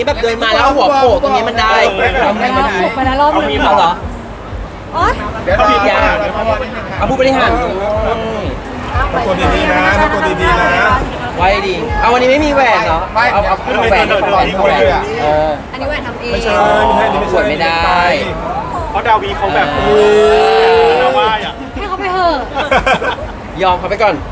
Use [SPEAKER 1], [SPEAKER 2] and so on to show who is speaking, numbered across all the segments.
[SPEAKER 1] แบบเดินมาแล้วหัวโขกตรงนี้มันได้ทำให้มัน
[SPEAKER 2] ฝึกไปแล้วรอบนึง
[SPEAKER 1] มีเหรอ
[SPEAKER 2] โอ๊ย
[SPEAKER 3] เดี๋ยว
[SPEAKER 1] เขาผิดอย่างเอาผู้บริหาร
[SPEAKER 3] ทำตัวดีๆนะทำตัวดีๆนะ
[SPEAKER 1] ไว้ดีเอาวันนี้ไม่มีแหวนเนาะเอาแหวน
[SPEAKER 2] อันนี้แหวนทำเอง
[SPEAKER 3] ไม่ใช่ไม่ใช่ไม่
[SPEAKER 1] ส
[SPEAKER 3] ใช่
[SPEAKER 1] วยไม่ได้
[SPEAKER 4] เพราะดาวีเขาแบบดาว่าอ่ะ
[SPEAKER 2] ให้เขาไปเถอะ
[SPEAKER 1] ยอมเขาไปก่อน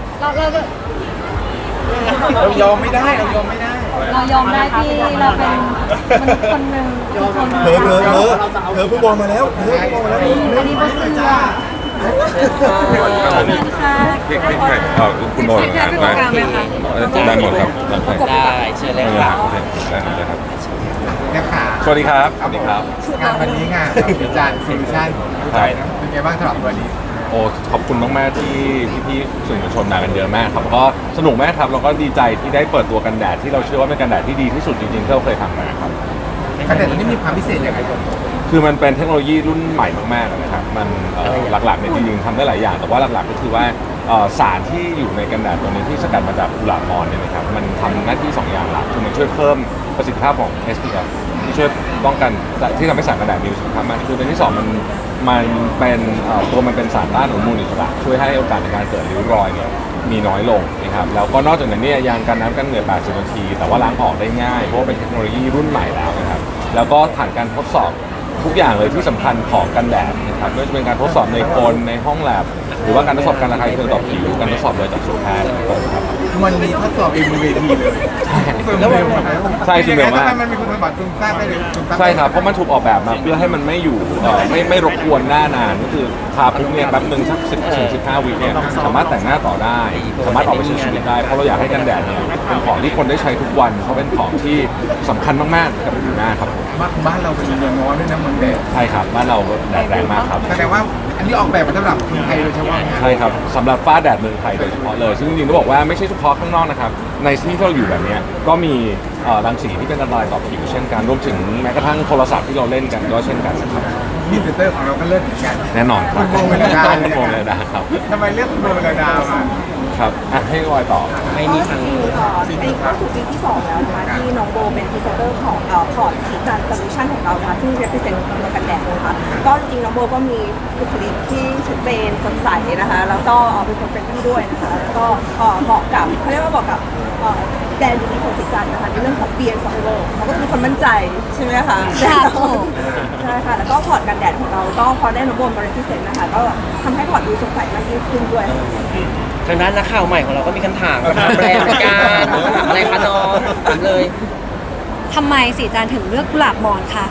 [SPEAKER 3] เรายอมไม่ได้เรายอมไม่ได้
[SPEAKER 2] เรายอมได้ที่เราเป็นมนุษย์คนหนึ่งคน
[SPEAKER 3] เธอผู้บอลมาแล้วเธอผู้บอลมาแล้ว
[SPEAKER 2] อันนี้บอสซื้อค่ะสวัสดีค่ะ
[SPEAKER 5] พี่คุณโดนงานมาได้หมดครับ
[SPEAKER 1] ได้เชิญเลยครับ
[SPEAKER 5] ได้ครับ
[SPEAKER 3] นะคะ
[SPEAKER 5] สวัสดีครับสวัสดีครับ
[SPEAKER 3] งานวันนี้งานอาจารย์โซลูชันเป็นไงบ้างสำหรับวันนี้
[SPEAKER 5] โอ้ขอบคุณมากๆที่พี่ๆสื่อมวลชนมากันเยอะมากครับก็สนุกมากครับแล้วก็ดีใจที่ได้เปิดตัวกันแดดที่เราเชื่อว่าเป็นกันแดดที่ดีที่สุดจริงๆที่เราเคยทำมาครับ
[SPEAKER 3] กันแดดตัวนี้มีความพิเศษยังไงครับ
[SPEAKER 5] คือมันเป็นเทคโนโลยีรุ่นใหม่มากๆนะครับมันหลักๆเนี่ยจริงๆทำได้หลายอย่างแต่ว่าหลักๆก็คือว่าสารที่อยู่ในกันแดดตัวนี้ที่สกัดมาจากกุหลาบมอนเนี่ยนะครับมันทำหน้าที่2อย่างหลักคือมันช่วยเพิ่มประสิทธิภาพของ SPF ที่ช่วยป้องกันที่ทำให้สารกันแดดมีประสิทธิภาพมากคือในที่2มันเป็นตัวมันเป็นสารต้านอนุมูลอิสระช่วยให้โอกาสในการเกิดริ้วรอยเนี่ยมีน้อยลงนะครับแล้วก็นอกจากนั้นเนี่ยยางกันน้ำกันเหงื่อ80 นาทีแต่ว่าล้างออกได้ง่ายเพราะว่าเป็นเทคโนโลยีรุ่นใหม่แล้วนะครับแล้วก็ผ่านการทดสอบทุกอย่างเลยที่สำคัญของกันแดดนะครับไม่ว่าจะเป็นการทดสอบในคนในห้องแลบหรือว่าการทดสอบการระคายเคืองต่อผิวการทดสอบโดยจากสูตรแพทย์ครับ
[SPEAKER 3] มันมีทดสอบเองบนเวทีเลยแล้ว
[SPEAKER 5] ใช่ซึ่งเร็วมาก
[SPEAKER 3] มันมีคุณสมบัติซึมซาบได้เลย
[SPEAKER 5] ใช่ครับเพราะมันถูกออกแบบมาเพื่อให้มันไม่อยู่ไม่รบกวนหน้านานก็คือทาปุ๊บเนี่ยแป๊บนึงสัก10-15 วิเนี่ยสามารถแต่งหน้าต่อได้สามารถออกไปใช้ชีวิตได้เพราะเราอยากให้กันแดดเนี่ยเป็นของที่คนได้ใช้ทุกวันเพราะเป็นของที่สำคัญมากๆกับผิวหน้าครับผม
[SPEAKER 3] บ้านเราเป็นเมืองร้อนด้วยนะเมืองแดด
[SPEAKER 5] ใช่ครับบ้านเราแดดแรงมากครับ
[SPEAKER 3] แสดงว่าอันนี้ออกแบบมาสำหรับคนไทยโดยเฉพาะ
[SPEAKER 5] ใช่ครับสำหรับฟ้าแดดเมืองไทยโดยเฉพาะเลยซึ่งจริงๆต้องบอกว่าไม่ใช่เฉพาะข้างนอกนะครับในที่ที่เราอยู่แบบนี้ก็มีรังสีที่เป็นอันตรายต่อผิวเช่นกันรวมถึงแม้กระทั่งโทรศัพท์ที่เราเล่นกันก็เช่นกันนะครับ
[SPEAKER 3] มีเซนเตอร์ของเราก็เลิศเหมือนกัน
[SPEAKER 5] แน่นอนครับ
[SPEAKER 3] คุณโบเมลดา
[SPEAKER 5] คุณโบเมลดาครับ
[SPEAKER 3] ทำไมเลือกคุณโบเมลดามา
[SPEAKER 5] ครับให้วอยต่อ
[SPEAKER 1] ไม่มีทาง
[SPEAKER 6] อันนี้เข้าสู่ปีที่ 2 แล้วนะคะที่น้องโบเป็นพรีเซนเตอร์ของพอร์ตสีจันโซลูชันของเรานะคะซึ่ง represent ตัวกันแดดนะคะก็จริงๆน้องโบก็มีบุคลิกที่ชัดเจนสดใสนะคะแล้วก็เป็นคนเป็นที่ด้วยนะคะแล้วก็เหมาะกับเขาเรียกว่าเหมาะกับแดนดีของสีจันนะคะในเรื่องของเบียร์ซอฟต์โลเขาก็คือคนมั่นใจใช่ไหมคะใช่ค่ะแล้วก็พอร์ตกันแดดของเราก็พอได้น้องโบมา represent นะคะก็ทำให้พอร์ตดูสดใสมากยิ่งขึ้นด้วย
[SPEAKER 1] ทางด้านนักข่าวใหม่ของเราก็มีคำถามถามแบรนด์เหมือนกันถามอะไรคะน้องถามเลย
[SPEAKER 2] ทำไมสีจันถึงเลือกกุหลาบมอนค่ะ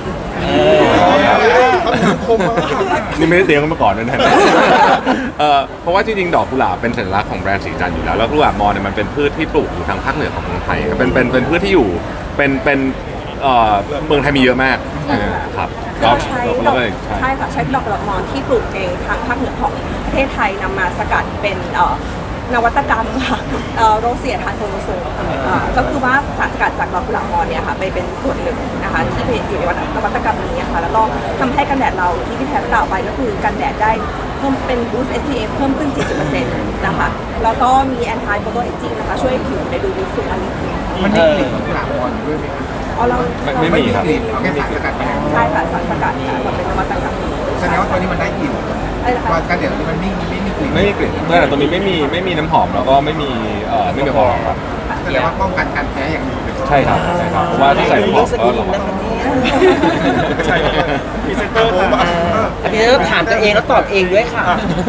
[SPEAKER 5] นี่ไม่ได้เตรียมกันมาก่อนด้วยนะ เพราะว่าจริงๆดอกกุหลาบเป็นสัญลักษณ์ของแบรนด์สีจันทร์อยู่แล้วแล้วกุหลาบมอญเนี่ยมันเป็นพืชที่ปลูกอยู่ทางภาคเหนือของเมืองไทยครับเป็นพืชที่อยู่เป็นเมืองไทยมีเยอะมากครับก็
[SPEAKER 6] ใช้
[SPEAKER 5] เรา
[SPEAKER 6] ด
[SPEAKER 5] ก็
[SPEAKER 6] อก
[SPEAKER 5] เลยใช่
[SPEAKER 6] ใช่ค่ะใช้ดอกกุหลาบมอนที่ปลูกเองทางภาคเหนือของประเทศไทยนำมาสกัดเป็นนวัตกรรมค่ะโรเซียทานโซโลโซก็คือว่าสารสกัดจากดอกกุหลาบมอนเนี่ยค่ะไปเป็นส่วนหนึ่งนะคะที่อยู่ในนวัตกรรมนี้ค่ะแล้วก็ทำให้กันแดดเราที่พี่แพทย์กล่าวไปก็คือกันแดดได้เพิ่มเป็น boost SPF เพิ่มขึ้น 40% นะคะแล้วก็มี anti photo aging นะคะช่วยผิวในดูดีสุดอันนี้
[SPEAKER 3] มันมีกลิ่นของกุหลาบมอนด้วยไหมครับ
[SPEAKER 6] เอาเรา
[SPEAKER 5] ไม่มีครับ
[SPEAKER 3] กลิ่นเอาแค่สารสกัดแค่
[SPEAKER 6] ใช่ค่ะสารสกัดค่ะมันเป็นนวัตกรรม
[SPEAKER 3] แสดงว่าตัวนี้มันได้กลิ่น
[SPEAKER 6] อะไรนะคะ
[SPEAKER 3] ว่ากันแดดตัวนี้มันไม่มีกลิ่น
[SPEAKER 5] ไม่มีกลิ่นแต่ตัวนี้ไม่มีน้ำหอมแล้วก็ไม่มีแอลกอฮอล์ครับ
[SPEAKER 3] แสดงว่าป้องกันการแพ้อย่างดีเลย
[SPEAKER 5] ใช่ครับเพราะว่าถ้าใส่น้ำหอม
[SPEAKER 1] ส
[SPEAKER 5] ก็
[SPEAKER 1] กิน
[SPEAKER 5] ระวั
[SPEAKER 1] นะ
[SPEAKER 5] ง
[SPEAKER 1] คะเนี่ย
[SPEAKER 4] ใช่พรีเซนเตอร์ค่ะ
[SPEAKER 1] อันนี้ก็ถามตัวเองแล้วตอบเองด้วยค่ะ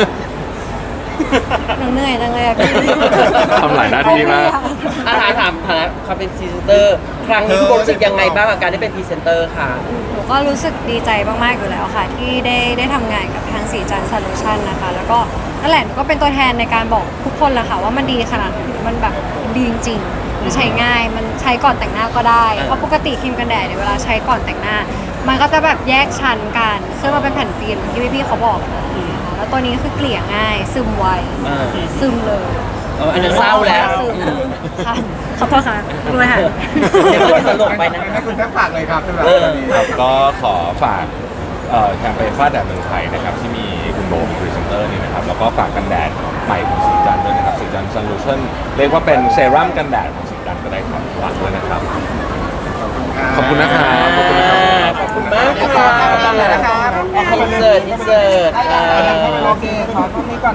[SPEAKER 2] หนูเหนื่อยจังเลยอะพี่
[SPEAKER 5] ทำหลายหน้าที่มาก
[SPEAKER 1] ถามเขาเป็นพรีเซนเตอร์ ครั้งนี้คุณโบรู้สึกยังไงบ้างกับการได้เป็นพรีเซนเตอร์ค่ะ
[SPEAKER 2] หนูก็รู้สึกดีใจมากๆอยู่แล้วค่ะ ที่ได้ทำงานกับทางสีจันโซลูชันนะคะ แล้วก็นั่นแหละหนูก็เป็นตัวแทนในการบอกทุกคนแหละค่ะว่ามันดีขนาดไหนมันแบบดีจริงๆมันใช้ง่ายมันใช้ก่อนแต่งหน้าก็ได้เพราะปกติครีมกันแดดเนี่ยเวลาใช้ก่อนแต่งหน้า มันก็จะแบบแยกชั้นกันซึ่งมันเป็นแผ่นฟิล์มที่พี่ๆเขาบอกนะคะแล้วตัวนี้ก็คือเกลี่ยง่ายซึมไวซึมเลย
[SPEAKER 1] อันนั้นเศร้าแล้ว
[SPEAKER 2] ค่ะขอโทษค่ะดูไหมคะ
[SPEAKER 1] เดี๋ยวมันจะตลกไปนะ
[SPEAKER 3] ให้คุณแทบปากเลยครับสำหรับตัวนี้
[SPEAKER 5] ครับก็ขอฝากแคมเปญฟ้าแดดเมืองไทยนะครับที่มีคุณโบเป็นพรีเซนเตอร์นี่นะครับแล้วก็ฝากกันแดดใหม่ของสีจันทร์ด้วยนะครับสีจันทร์โซลูชั่นเรียกว่าเป็นเซรั่มกันแดดของสีจันทร์ก็ได้ครับฝากด้วยนะครับขอบคุณนะครับขอบคุณนะครับ
[SPEAKER 1] ขอบคุณมากค่ะอินเสิร์ต
[SPEAKER 3] โอเคขอตรงนี้ก่อน